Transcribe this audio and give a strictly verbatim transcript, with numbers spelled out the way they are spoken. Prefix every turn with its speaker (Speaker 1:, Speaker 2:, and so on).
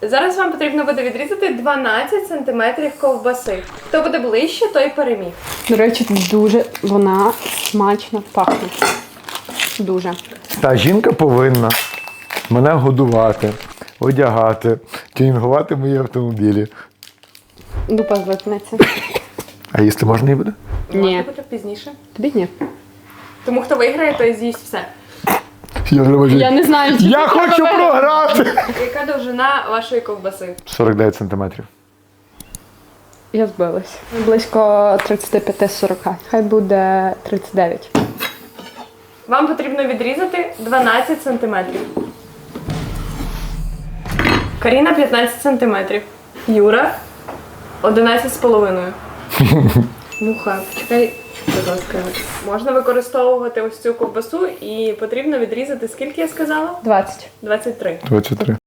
Speaker 1: Зараз вам потрібно буде відрізати дванадцять сантиметрів ковбаси. Хто буде ближче, той переміг.
Speaker 2: До речі, дуже вона смачно пахне. Дуже.
Speaker 3: Та жінка повинна мене годувати, одягати, тюнінгувати мої автомобілі.
Speaker 2: Дупа звикнеться.
Speaker 3: А їсти можна і буде?
Speaker 2: Ні.
Speaker 1: Можна буде пізніше.
Speaker 2: Тобі ні.
Speaker 1: Тому хто виграє, той з'їсть все.
Speaker 3: Я, не можу.
Speaker 2: Я не знаю, чи
Speaker 3: Я
Speaker 2: ти
Speaker 3: хочу
Speaker 2: тебе-
Speaker 3: програти!
Speaker 1: Яка довжина вашої ковбаси?
Speaker 3: сорок дев'ять сантиметрів.
Speaker 2: Я збилась. Близько тридцять п'ять сорок. Хай буде тридцять дев'ять.
Speaker 1: Вам потрібно відрізати дванадцять сантиметрів. Каріна п'ятнадцять сантиметрів. Юра одинадцять з половиною. Муха, почекай, будь ласка. Можна використовувати ось цю ковбасу і потрібно відрізати, скільки я сказала?
Speaker 2: двадцять.
Speaker 1: двадцять три.
Speaker 3: двадцять три.